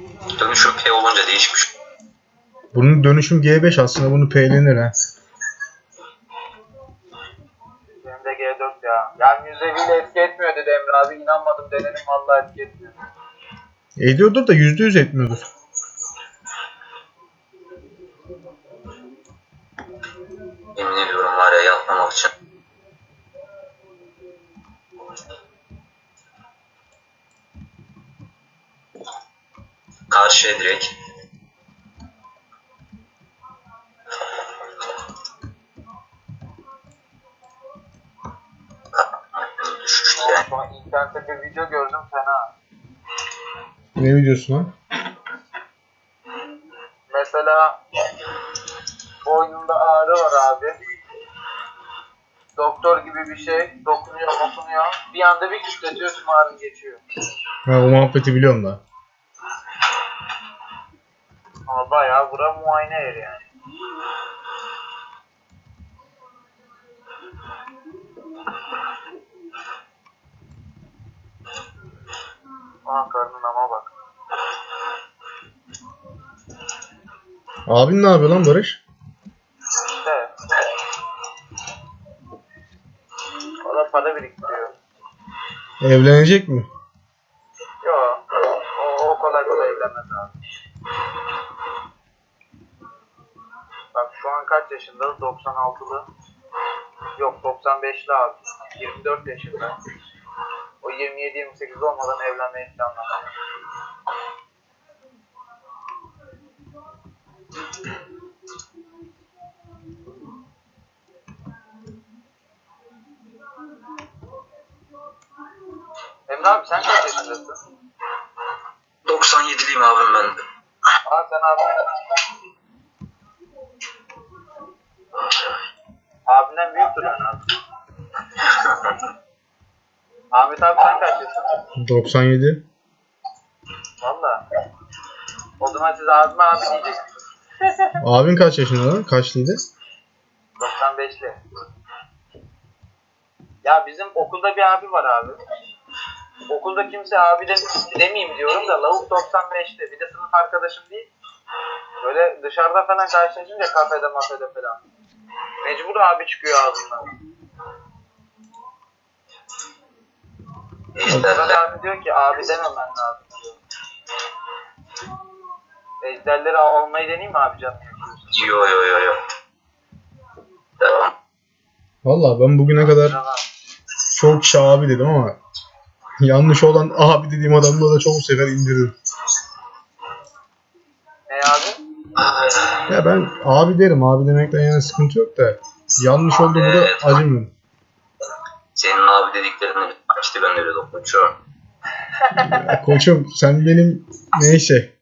Dönüşüm P olunca değişmiş. Bunun dönüşüm G5 aslında, bunu P'lenir ha. Benim de G4 ya. Yani yüzeviyle etki etmiyor dedi Emre abi. İnanmadım, denedim, vallahi etki etmiyor. Ediyordur da %100 etmiyordur. Yemin ediyorum var ya, yatmamak için. Karşıya direkt. Düşüştü yani. Sonra internette bir video gördüm, fena. Ne videosu lan? Mesela boynunda ağrı var abi. Doktor gibi bir şey dokunuyor. Bir anda bir kütletiyorsun, ağrın geçiyor. Ha, o muhabbeti biliyorum da. Ama bayağı bura muayene yeri yani. Aha, karnın ama bak. Abin ne yapıyor lan Barış? İşte. O da para biriktiriyor. Evlenecek mi? Yok. O kolay kolay evlenmez abi. Bak şu an kaç yaşında? 96'lı. Yok, 95'li abi. 24 yaşında. O 27-28 olmadan evlenmeyi planlamıyor. Emre abi sen kaç yaşındasın? 97'liyim abim ben de. Aa, sen abinden büyüktür yani abi. Ahmet abi sen kaç yaşındasın? 97. Valla. O zaman siz abime abi diyeceksiniz. Abin kaç yaşında lan? Kaçlıydı? 95'li. Ya bizim okulda bir abi var abi. Okulda kimse abi demeyeyim diyorum da lavuk 95'te. Bir de sınıf arkadaşım değil. Böyle dışarıda falan karşılaşınca kafede mafede falan. Mecbur abi çıkıyor ağzından. Sedat abi diyor ki abi dememen lazım diyor. Ejderleri almayı deneyeyim mi abi canım? Yo. Devam. Valla ben bugüne kadar çok kişi abi dedim ama yanlış olan abi dediğim adamla da çok sefer indirdim. Ne abi? Ya ben abi derim, abi demekten yana sıkıntı yok da yanlış oldu mu da acımıyorum. Senin abi dediklerini işte ben de öyle dokunuyorum. Ya koçum sen benim neyse.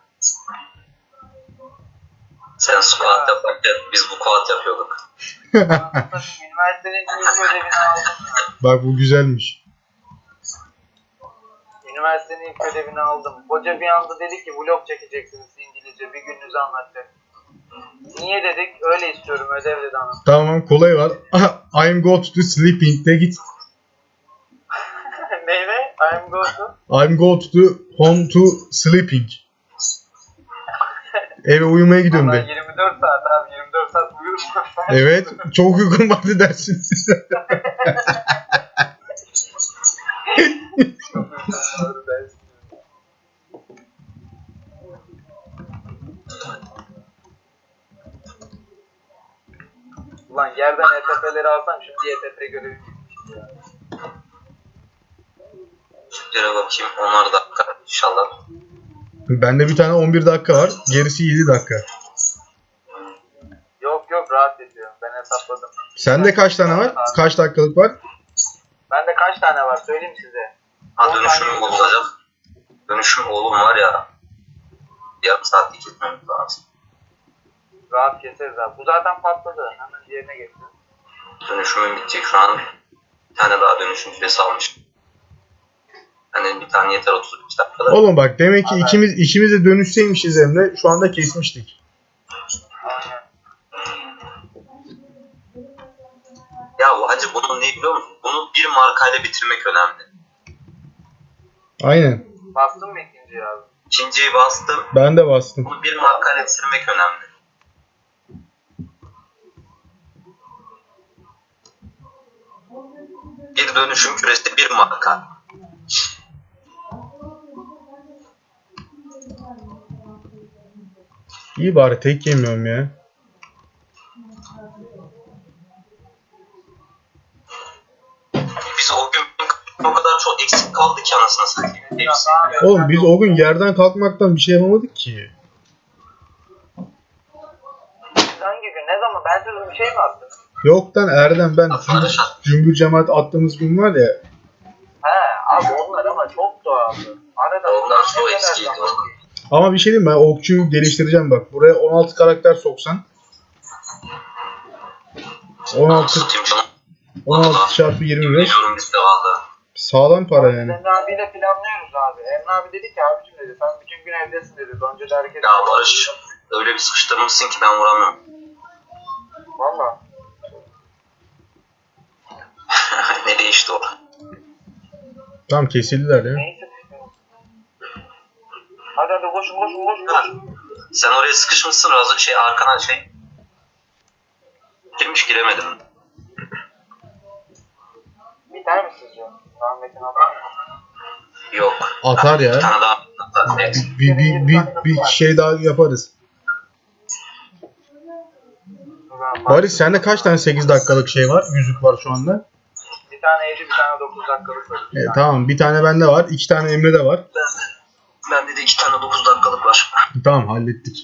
Sen squat yaparken biz bu squat yapıyorduk. Üniversitenin ilk ödevini aldım ya. Bak bu güzelmiş. Üniversitenin ilk ödevini aldım. Hoca bir anda dedi ki vlog çekeceksiniz İngilizce, bir gününüzü anlatacak. Niye dedik? Öyle istiyorum, ödev dedi anam. Tamam, kolay var. I'm go to sleeping de git. Neyve? I'm go to. I'm go to home to sleeping. Eve uyumaya gidiyorum Vallahi de. 24 saat abi, 24 saat uyurum. Evet, çok uygun vardı dersin. Ulan yerden ETP'leri alsam şimdi ETP görevi bitmişti ya. Şöyle bakayım 10'ar dakika inşallah. Bende bir tane 11 dakika var. Gerisi 7 dakika. Yok rahat ediyor. Ben hesapladım. Sende kaç tane var? Kaç dakikalık var? Bende kaç tane var söyleyeyim size. Ha, dönüşüm olacak. Dönüşüm oğlum var ya. Yarım saat gitmemiz lazım. Rahat keseriz abi. Bu zaten patladı. Hemen diğerine geçsin. Dönüşümün bitecek şu an. Bir tane daha dönüşüm süresi almış. Hani bir tane yeter 35 dakikada. Oğlum bak, demek ki ikimiz de dönüşseymişiz Emre. Şu anda kesmiştik. Aynen. Ya bu hacı bunun ne biliyor musun? Bunu bir markayla bitirmek önemli. Aynen. Bastın mı ikinciyi abi? İkinciyi bastım. Ben de bastım. Bunu bir markayla bitirmek önemli. Bir dönüşüm küresi bir marka. İyi bari tek yemiyorum ya. Biz o gün o kadar çok eksik kaldı ki anasını satayım. Hepsi. Oğlum biz o gün yerden kalkmaktan bir şey yapamadık ki. Hangi gün? Ne zaman? Ben size bir şey mi attım? Yoktan Erdem ben Barış at. cümbür cemaat attığımız gün var ya. He abi onlar ama çok doğaldı. Arada Onlar çok eskiydi oğlum. Ama bir şey diyeyim ben okçuyu geliştireceğim bak. Buraya 16 karakter soksan. 16 Satayım canım. 16 çarpı 25 Biliyorum biz de valla. sağlam para yani. Emre abiyle planlıyoruz abi. Emre abi dedi ki abicim dedi sen bütün gün evdesin dedi. Önce de hareket Ya Barış öyle bir sıkıştırmışsın ki ben vuramıyorum. Valla. Ne değişti o? Tam kesildiler ya. Neyse. Hadi koşun. Sen oraya sıkışmışsın razı arkana girmiş giremedim. Biter mi sizce? Rahmetin atar mı? Yok. Atar Bir ya. tane daha atar. Evet. Bir şey daha yaparız. Barış sende kaç tane 8 dakikalık şey var? Yüzük var şu anda. Bir tane 7 bir tane 9 dakikalık var. Tamam bir tane bende var. 2 tane Emre'de var. Bende de 2 tane 9 dakikalık var. Tamam hallettik.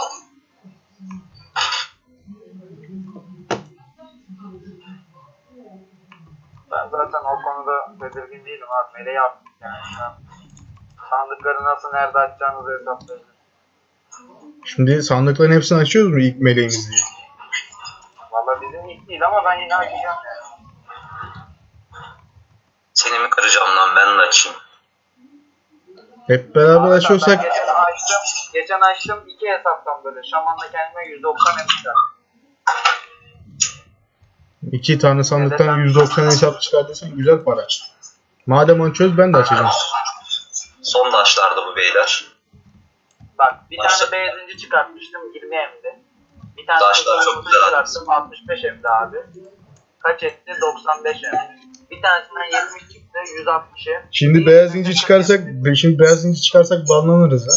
Ben zaten o konuda tedirgin değilim abi. Meleği yaptık yani. Sandıkları nasıl nerede açacağınızı hesaplayın. Şimdi sandıkların hepsini açıyoruz mu ilk meleğimiz diye? Valla bizim ilk değil ama ben yine açacağım yani. Seni mi kıracağım lan ben de açayım. Hep beraber Abi açıyorsak ben geçen açtım 2 hesaptan böyle. Şaman'la kendime 190 emişler. 2 tane sandıktan 190 hesap çıkardıysan güzel para. Madem onu çöz ben de açacağım. Son taşlardı bu beyler. Bak bir Başla. tane benzinci çıkartmıştım 20 emdi. Bir tane Taşlar çok fotoğrafını güzel çıkarttım 65 emdi abi. Kaç etti? 95 emdi. Bir tanesinden 70 çıktı 160 em. Şimdi beyaz inci çıkarsak banlanırız ha.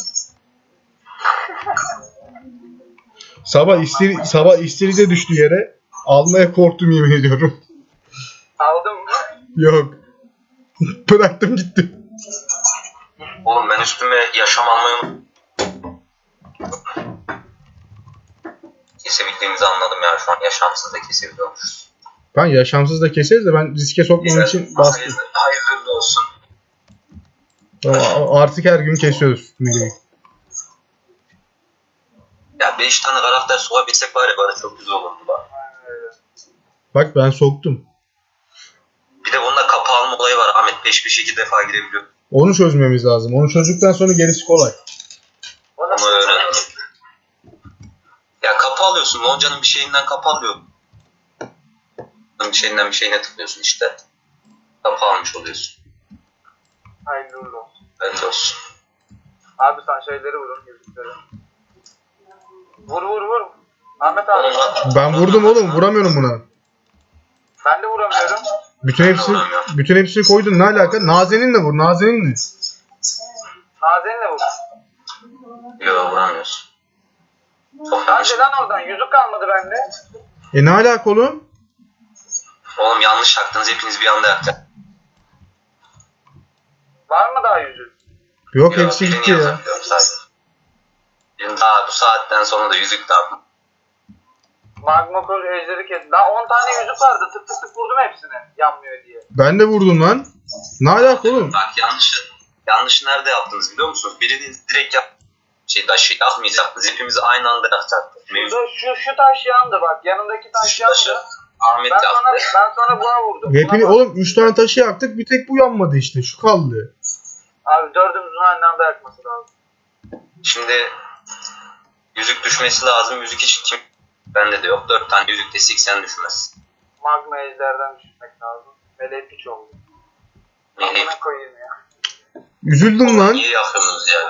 Sabah istiride düştü yere. Almaya korktum yemin ediyorum. Aldın mı? Yok. Bıraktım gitti. Oğlum ben üstüme yaşam almayı kesebildiğimizi anladım ya şu an yaşamsız da kesebiliyormuşuz. Ben yaşamsız da keseriz de ben riske sokmam için bastım. Hayırlı olsun. Artık her gün kesiyoruz meleği. Ya 5 tane karakter sokabilsek var ya bana çok güzel olurdu bak. Bak ben soktum. Bir de bunda kapı alma olayı var Ahmet. Peş peşe 2 defa girebiliyor. Onu çözmemiz lazım. Onu çözdükten sonra gerisi kolay. O nasıl? Onu öğren. Ya kapı alıyorsun. Lonca'nın bir şeyinden kapı alıyorsun. Bir şeyinden bir şeyine tıklıyorsun işte. Kapı almış oluyorsun. Hayırlı uğurlu olsun. Evet olsun. Abi sen şeyleri vurun yüzükleri. Vur. Ahmet abi. Ben vurdum oğlum. Vuramıyorum buna. Ben de vuramıyorum. Bütün hepsini koydun. Ne alaka? Nazeninle vur. Nazeninle. Nazen'le vur. Yok vuramıyorsun. Çok yanlış. Hadi lan oradan. Yüzük kalmadı bende. Ne alaka oğlum? Oğlum yanlış yaktınız. Hepiniz bir anda yaktınız. Var mı daha yüzük? Yok hepsi gitti ya. Daha bu saatten sonra da yüzük daha. Magma Kol ejderi kes. Daha 10 tane yüzük vardı. Tık vurdum hepsini. Yanmıyor diye. Ben de vurdum lan. Ne alaka oğlum? Bak yanlışı nerede yaptınız biliyor musunuz? Birini direkt taşı yakmayacaktınız. Hepimizi aynı anda yakacaktık. Mevzu. Şu taş yandı bak. Yanındaki taş Şu taşı yandı. Ahmet Ben yaktı. sonra buna vurdum. Hepini Buna bak. oğlum 3 tane taşı yaktık. Bir tek bu yanmadı işte. Şu kaldı. Abi dördümüzün aynı anda yakması lazım. Şimdi yüzük düşmesi lazım. Yüzük hiç kim? Bende de yok. 4 tane yüzük de 80 düşmez. Magma ejderden düşmek lazım. Meleği piç oldu. Meleği Amına koyayım ya. Üzüldüm lan. niye yakıyorsunuz ya?